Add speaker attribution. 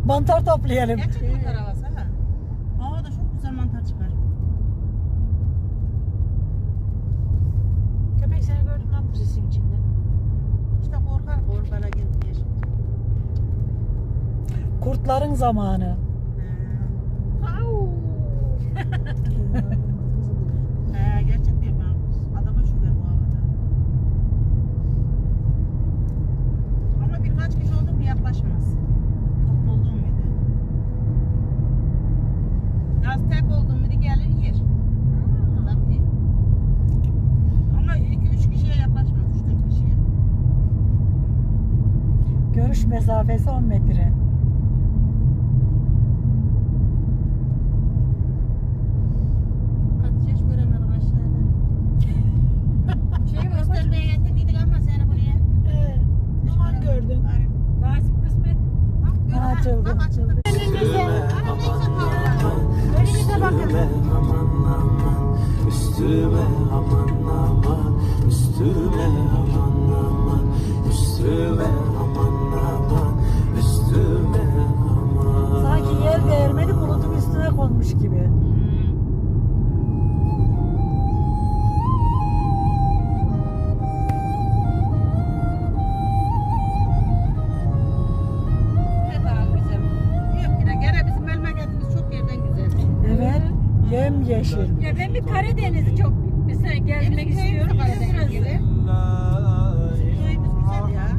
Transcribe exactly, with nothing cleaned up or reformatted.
Speaker 1: Mantar toplayalım.
Speaker 2: Gerçek mantar havası ha. Havada çok güzel mantar çıkar.
Speaker 3: Köpek seni gördüm lan bu sesin içinde.
Speaker 2: İşte korkar korkara gelip diye şimdi.
Speaker 1: Kurtların zamanı.
Speaker 3: Au.
Speaker 2: He gerçek diyor ben. Adama şüphe bu havada. Ama birkaç kişi oldu mu yaklaşmaz. Toplu olduğum muydu? Az tek olduğum muydu gelir yer. Tabii. Ama iki üç kişiye yaklaşmaz. üç dört kişiye.
Speaker 1: Görüş mesafesi on metre.
Speaker 2: Hatice hiç göremedim aşağıda. Şey göstermeye getirdik ama seni buraya.
Speaker 1: Ee, aman gördün.
Speaker 3: Nasip kısmet.
Speaker 1: Açıldı.
Speaker 2: Bak açıldı.
Speaker 3: Önünüze. Önünüze bakın.
Speaker 4: Aman aman üstüme aman aman üstüme aman aman üstüme aman aman üstüme aman.
Speaker 1: Sanki yer değirmeni bulutun üstüne konmuş gibi.
Speaker 2: Ne daha güzel. Yok yine gene bizim memleketimiz çok yerden güzel.
Speaker 1: Evet. Yem yeşil.
Speaker 3: Ya ben bir Karadeniz'i çok mesela gezmek
Speaker 2: Bizim köyümüz
Speaker 3: istiyorum.
Speaker 2: Karadeniz
Speaker 3: Burası.
Speaker 2: gibi. Bizim köyümüz güzel ya.